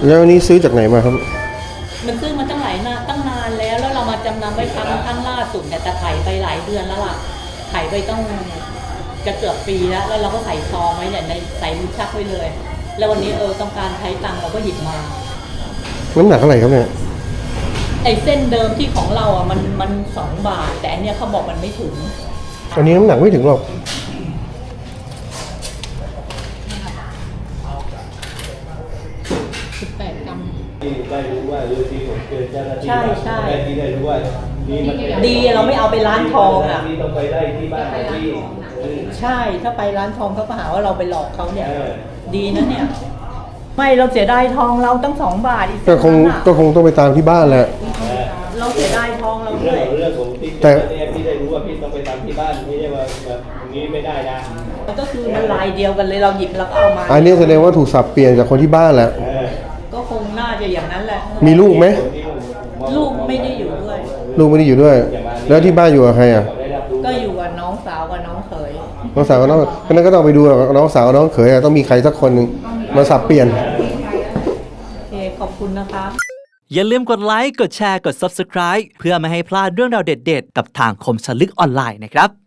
แล้ววันนี้ซื้อจากไหนมาครับมันซื้อมาตั้งนานแล้วเรามาจำนำไว้ครั้งล่าสุดแต่ถ่ายไปหลายเดือนแล้วล่ะถ่ายไปต้องจะเกือบปีแล้วเราก็ใส่ซองไว้เนี่ยในใส่ลิ้นชักไว้เลย แล้ววันนี้ต้องการใช้ตังค์เราก็หยิบมาน้ำหนักเท่าไหร่ครับเนี่ยไอ้เส้นเดิมที่ของเราอ่ะมัน2 บาทแต่อันเนี้ยเขาบอกมันไม่ถึงอันนี้น้ำหนักไม่ถึงหรอก 18 กรัมที่ได้รู้ว่าที่ผมเจอเจ้าหน้าที่ใช่ที่ได้รู้ว่าดีเราไม่เอาไปร้านทองอ่ะที่ต้องไปได้ที่บ้านที่ใช่ถ้าไปร้านทองเขาก็หาว่าเราไปหลอกเขาเนี่ยดีนะเนี่ยไม่เราเสียดายทองเราตั้ง2 บาทอีกก็คงต้องไปตามที่บ้านแหละเราเสียดายทองเราด้วยเรื่องของที่พี่ได้รู้ว่าพี่ต้องไปตามที่บ้านไม่ใช่ว่าแบบอย่างนี้ไม่ได้นะก็คือมันลายเดียวกันเลยเราหยิบแล้วก็เอามาอันนี้แสดงว่าถูกสับเปลี่ยนจากคนที่บ้านแหละก็คงน่าจะอย่างนั้นแหละมีลูกไหมลูกไม่ได้อยู่ด้วยลูกไม่ได้อยู่ด้วยแล้วที่บ้านอยู่กับใครอ่ะก็อยู่กับน้องสาวกับน้องเขยน้องสาวกับน้องนั้นก็ต้องไปดูน้องสาวกับน้องเขยต้องมีใครสักคนหนึ่งมาสับเปลี่ยนโอเคขอบคุณนะคะอย่าลืมกดไลค์ กดแชร์ กด Subscribe เพื่อไม่ให้พลาดเรื่องราวเด็ดๆ กับทางคมสนลึกออนไลน์นะครับ